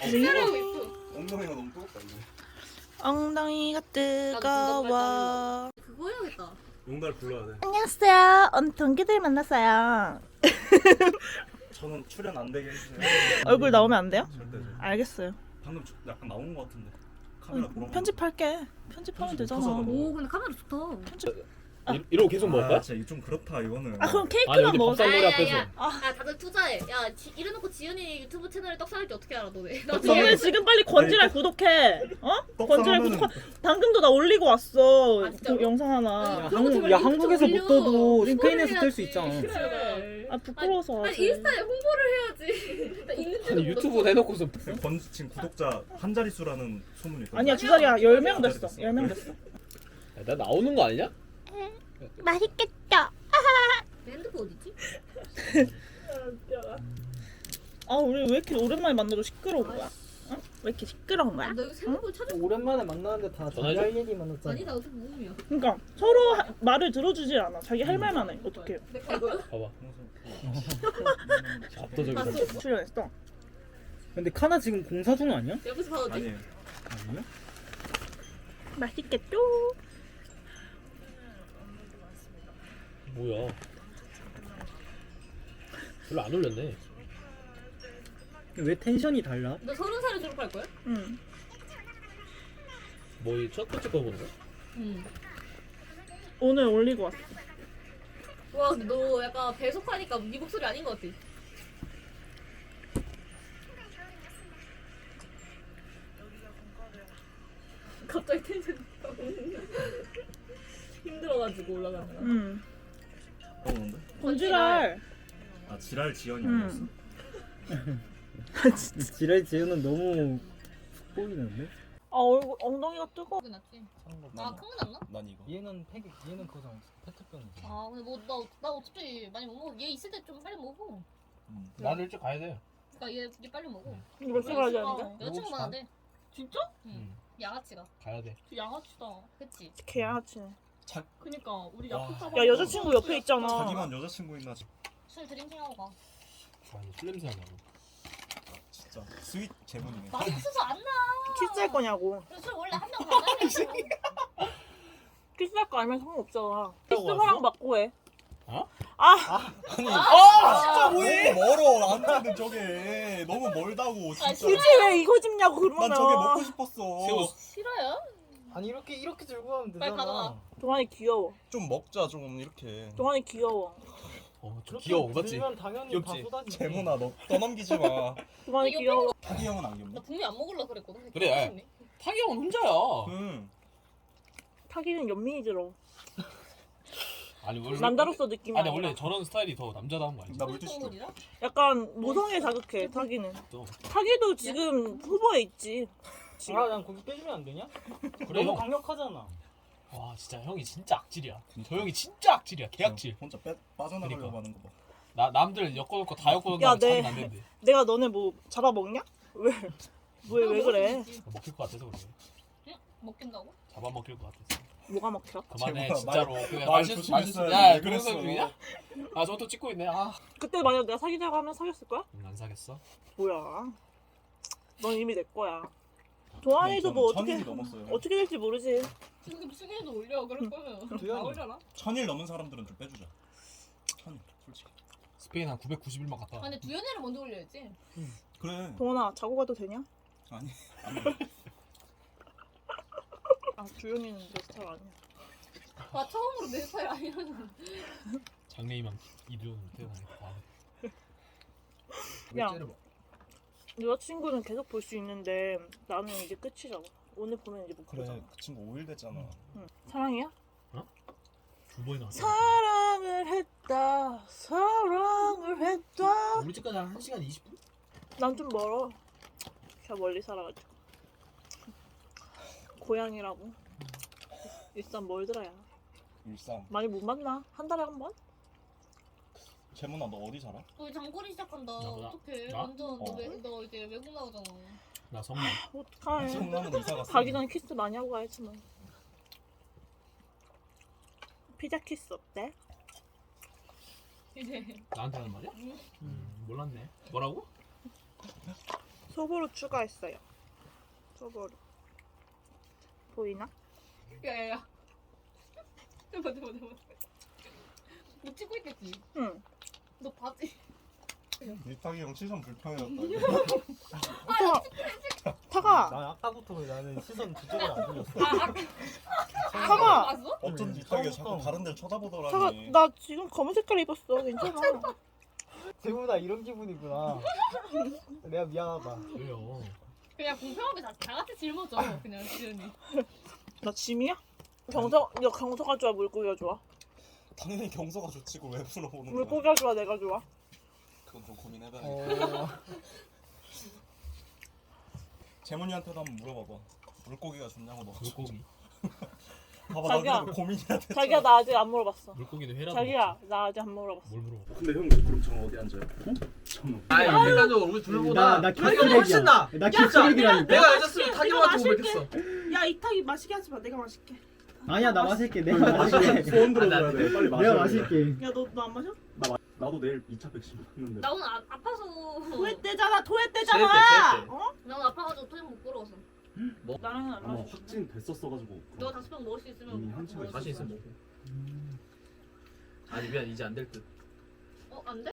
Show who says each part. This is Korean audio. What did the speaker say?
Speaker 1: 사람 있어.
Speaker 2: 엉덩이가 너무 뜨겁다 이거.
Speaker 3: 엉덩이가 뜨거워.
Speaker 1: 그거 해야겠다.
Speaker 2: 용달 불러야 돼.
Speaker 3: 안녕하세요. 오늘 동기들 만났어요.
Speaker 2: 저는 출연 안 되게 해주세요.
Speaker 3: 얼굴 나오면 안 돼요?
Speaker 2: 절대죠.
Speaker 3: 알겠어요.
Speaker 2: 방금 약간 나온 것 같은데. 카메라 보러.
Speaker 3: 편집할게. 편집하면 되잖아.
Speaker 2: 켜서
Speaker 1: 오 근데 카메라 좋다.
Speaker 4: 이러고 계속 먹을 거야?
Speaker 2: 진짜 이거 좀 그렇다 이거는.
Speaker 3: 아 그럼
Speaker 4: 아니
Speaker 3: 케이크만
Speaker 4: 어디
Speaker 3: 먹어.
Speaker 4: 밥상머리 앞에서
Speaker 1: 야 다들 투자해. 야 이래놓고 지은이 유튜브 채널에 떡 살지 어떻게 알아 너네? 나
Speaker 3: 너네 지금 빨리 건지랄 구독해. 어? 건지랄
Speaker 2: 떡상하면은
Speaker 3: 구독. 방금도 나 올리고 왔어.
Speaker 1: 아, 진짜로?
Speaker 3: 영상 하나.
Speaker 1: 야,
Speaker 5: 한국에서 못 떠도 스페인에서 뜰 수 있잖아.
Speaker 1: 그래.
Speaker 3: 아 부끄러워서.
Speaker 1: 아니 인스타에 홍보를 해야지. 나 있는지도
Speaker 4: 아니 유튜브 내놓고서
Speaker 2: 지금 구독자 한 자릿수라는 소문이 있거든.
Speaker 3: 아니야 두 자리야. 10명 됐어. 10명 됐어.
Speaker 4: 야, 나 나오는 거 아니냐?
Speaker 3: 맛있겠다.
Speaker 1: 내 핸드폰 어디지?
Speaker 3: 아 우리 왜 이렇게 오랜만에 만나도 시끄러운 거야? 어? 왜 이렇게 시끄러운 거야?
Speaker 1: 나 여기 핸드폰 찾아.
Speaker 5: 오랜만에 만나는데 다
Speaker 4: 전화해줘?
Speaker 5: 자기 할 얘기 만났잖아.
Speaker 1: 아니 나 어차피 모음이야.
Speaker 3: 그러니까 서로 말을 들어주질 않아. 자기 할 말만 해. 어떡해.
Speaker 1: 이거요?
Speaker 4: 봐봐 압도적이다.
Speaker 1: 봤어.
Speaker 3: 출연했어.
Speaker 5: 근데 카나 지금 공사 중 아니야?
Speaker 1: 옆에서 봐도 돼?
Speaker 2: 아니에요.
Speaker 5: 아니야?
Speaker 3: 맛있겠죠?
Speaker 4: 뭐야 별로 안 올렸네.
Speaker 5: 왜 텐션이 달라?
Speaker 1: 너 30살에 졸업할 거야?
Speaker 3: 응.
Speaker 4: 뭐 첫 번째 거 보는 거야?
Speaker 1: 응.
Speaker 3: 오늘 올리고 왔어.
Speaker 1: 와 근데 너 약간 배속하니까 네 목소리 아닌 것 같아. 갑자기 텐션 힘들어가지고 올라가는 거야.
Speaker 3: 응.
Speaker 2: 뭔데?
Speaker 3: 건지랄.
Speaker 2: 아 지랄 지연이
Speaker 3: 응.
Speaker 2: 아니었어.
Speaker 5: 지랄 지우는 너무 훅 보이는데?
Speaker 3: 아 얼굴 엉덩이가 뜨거.
Speaker 1: 그게 낫지. 아 큰 거 낫나?
Speaker 2: 난 이거.
Speaker 5: 얘는 그거잖아. 페트병이지.
Speaker 1: 아 근데 뭐 나 어차피 많이 못 먹어. 얘 있을 때 좀 빨리 먹어.
Speaker 4: 나는 일찍 가야 돼.
Speaker 1: 그러니까 얘 빨리 먹어.
Speaker 3: 이거 몇 시간 하지 않는데?
Speaker 1: 여자친구 많은데.
Speaker 3: 진짜?
Speaker 1: 응. 양아치가.
Speaker 4: 가야 돼.
Speaker 3: 양아치다.
Speaker 1: 그치?
Speaker 3: 개양아치네.
Speaker 2: 그니까
Speaker 3: 우리
Speaker 2: 와.
Speaker 3: 야 여자친구 옆에 있잖아.
Speaker 2: 자기만 여자친구 있나
Speaker 1: 술 드링킹하고 가.
Speaker 4: 아니 술 냄새 나고.
Speaker 2: 진짜 스윗 제문이네.
Speaker 1: 맛있어서 안 나.
Speaker 3: 키스할 거냐고.
Speaker 1: 술 원래 한 명 가나요?
Speaker 3: 키스할 거 알면 상관없잖아. 키스
Speaker 4: 왔어?
Speaker 3: 허락 받고 해.
Speaker 4: 어?
Speaker 2: 진짜 뭐해? 너무 멀어 나한테는 저게 너무 멀다고 진짜.
Speaker 3: 굳이 왜 이거 집냐고 그러면.
Speaker 2: 난 저게 먹고 싶었어.
Speaker 1: 싫어요?
Speaker 5: 아니 이렇게 들고 가면
Speaker 1: 빨리 가져가.
Speaker 3: 동환이 귀여워.
Speaker 2: 좀 먹자 좀 이렇게.
Speaker 3: 동환이 귀여워.
Speaker 4: 좀 귀여워 맞지?
Speaker 5: 들면 당연히
Speaker 4: 귀엽지?
Speaker 5: 다 쏟아지지.
Speaker 2: 재문아 너 떠넘기지 마.
Speaker 3: 동환이
Speaker 1: 이거
Speaker 3: 귀여워.
Speaker 2: 타기 형은 안
Speaker 1: 나
Speaker 2: 귀엽나?
Speaker 1: 분명히 안 먹으려고 그랬거든.
Speaker 4: 그래. 타기 형은 혼자야.
Speaker 2: 응.
Speaker 3: 타기는 연민이 들어.
Speaker 4: 아니 원래
Speaker 3: 남자로서 느낌이
Speaker 4: 아니
Speaker 3: 아니라.
Speaker 4: 원래 저런 스타일이 더 남자다운 거 아니지?
Speaker 2: 나 물티슈 줘.
Speaker 1: 라
Speaker 3: 약간 모성애 자극해 타기는.
Speaker 4: 또.
Speaker 3: 타기도 지금 후보에 있지.
Speaker 5: 난 거기 빼주면 안 되냐?
Speaker 4: 그래
Speaker 5: 너무
Speaker 4: 형.
Speaker 5: 강력하잖아.
Speaker 4: 와 진짜 형이 진짜 악질이야. 저 형이 진짜 악질이야. 개악질.
Speaker 2: 혼자 빠져나가려고
Speaker 4: 그러니까.
Speaker 2: 하는 거 봐.
Speaker 4: 나 남들 엮어놓고 다 엮어놓고
Speaker 3: 야,
Speaker 4: 자기는 안 된대.
Speaker 3: 내가 너네 뭐 잡아먹냐? 왜 그래?
Speaker 4: 먹힐 것 같아서 그래.
Speaker 1: 먹긴다고?
Speaker 4: 잡아먹힐 것 같았어.
Speaker 3: 뭐가 먹혀?
Speaker 4: 그만해
Speaker 2: 제발,
Speaker 4: 진짜로.
Speaker 2: 말
Speaker 4: 그냥 마실
Speaker 2: 조심했어야지.
Speaker 4: 야
Speaker 2: 왜
Speaker 4: 그런
Speaker 2: 그랬어?
Speaker 4: 사람 중이냐? 아 저것도 찍고 있네.
Speaker 3: 그때 만약 내가 사귀자고 하면 사귀었을 거야?
Speaker 4: 안 사겠어?
Speaker 3: 뭐야? 넌 이미 내 거야. 동환이도 뭐 어떻게
Speaker 2: 천일이 넘었어요.
Speaker 3: 어떻게 될지 모르지.
Speaker 1: 지금 수기에도 올려 그럴 거면 다
Speaker 5: 두현이.
Speaker 1: 올려라.
Speaker 2: 1000일 넘은 사람들은 좀 빼주자. 1000일 솔직히.
Speaker 4: 스페인 한 991만 갔다.
Speaker 1: 아 근데 두현이를 먼저 올려야지.
Speaker 2: 그래.
Speaker 3: 동환아 자고 가도 되냐?
Speaker 2: 아니. 안 돼.
Speaker 3: 아 주영이는 내 스타일 아니야.
Speaker 1: 와 처음으로 내 스타일 아니라는.
Speaker 4: 장래희망 이두현 태어나겠다.
Speaker 3: 야 여자친구는 계속 볼 수 있는데 나는 이제 끝이잖아. 오늘 보면 이제 못
Speaker 2: 그래.
Speaker 3: 보잖아.
Speaker 2: 그 친구 5일 됐잖아.
Speaker 3: 응. 사랑이야?
Speaker 4: 두 번이나.
Speaker 3: 사랑을 했다. 사랑을 했다.
Speaker 4: 우리 집까지 한 1시간 20분?
Speaker 3: 난 좀 멀어. 제가 멀리 살아가지고. 고향이라고. 일산 멀더라야.
Speaker 2: 일산.
Speaker 3: 많이 못 만나. 한 달에 한 번?
Speaker 2: 재문아 너 어디 살아?
Speaker 1: 우리 장거리 시작한다.
Speaker 4: 나?
Speaker 1: 어떡해.
Speaker 4: 나?
Speaker 1: 완전
Speaker 2: 어.
Speaker 1: 너 이제 외국 나오잖아.
Speaker 4: 나 성남.
Speaker 3: 어떡해.
Speaker 2: 성남으로 이사 갔어.
Speaker 3: 가기 전에 키스 많이 하고 가야지 뭐. 피자 키스 어때?
Speaker 1: 이제
Speaker 4: 나한테 하는 말이야? 몰랐네. 뭐라고?
Speaker 3: 소보로 추가했어요. 소보로. 보이나?
Speaker 1: 야야야. 대박. 못 찍고 있겠지.
Speaker 3: 응.
Speaker 1: 너 바지.
Speaker 2: 니탁이 형 시선 불편해졌다.
Speaker 3: 타가.
Speaker 5: 난 아까부터 나는 시선 그쪽으로 안 돌렸어.
Speaker 3: 타가.
Speaker 1: 봤어?
Speaker 2: 어쩐지 니탁이 자꾸 다른 데를 쳐다보더라니.
Speaker 3: 타가 나 지금 검은 색깔 입었어. 괜찮아.
Speaker 5: 재훈아 이런 기분이구나. 내가 미안하다.
Speaker 4: 왜요?
Speaker 1: 그냥 공평하게 다 같이 짊어져. 그냥 지은이.
Speaker 3: 나 짐이야? 경서가 좋아, 물고기가 좋아?
Speaker 2: 당연히 경서가 좋지고 왜 물어보는 거야?
Speaker 3: 물고기가 좋아, 내가 좋아?
Speaker 2: 그건 좀 고민해봐야겠다. 재문이한테도 한번 물어봐봐. 물고기가 좋냐고 너.
Speaker 4: 물고기.
Speaker 2: 봐봐
Speaker 3: 자기야.
Speaker 2: 나 그래도 고민이야 됐잖아.
Speaker 3: 자기야, 나 아직 안 물어봤어.
Speaker 4: 물고기도 회라도
Speaker 3: 자기야, 나 아직 안 물어봤어.
Speaker 4: 뭘 물어봐?
Speaker 2: 근데 형 그럼 저 어디 앉아요?
Speaker 6: 아니 일단적으로 우리 둘보다
Speaker 7: 나
Speaker 6: 타기가 훨씬 나.
Speaker 7: 나
Speaker 6: 진짜.
Speaker 7: 킥쓰레기라니까.
Speaker 6: 내가 여자였으면 타기한테 고백했어.
Speaker 3: 야, 이탁이 마시게 하지 마. 내가 마실게.
Speaker 7: 아니야 나 마실게. 내가 마실게.
Speaker 2: 소원
Speaker 6: 들어줘야
Speaker 2: 돼. 빨리
Speaker 7: 내가 마실게.
Speaker 3: 야, 너 안 마셔?
Speaker 2: 나도 내일 2차 백신 맞는데.
Speaker 1: 나 오늘 아파서.
Speaker 3: 토했 때잖아.
Speaker 6: 체했대, 체했대.
Speaker 3: 어?
Speaker 1: 나 오늘 아파가지고 토익 못 걸어서.
Speaker 3: 나랑은 안
Speaker 2: 아마
Speaker 3: 마셔.
Speaker 2: 확진 됐었어가지고.
Speaker 1: 너 5병 먹을 수 있으면.
Speaker 2: 이미 한치가
Speaker 1: 먹을 수
Speaker 6: 자신
Speaker 1: 있어.
Speaker 6: 있으면 먹고. 아니 미안 이제 안 될 듯.
Speaker 1: 안 돼?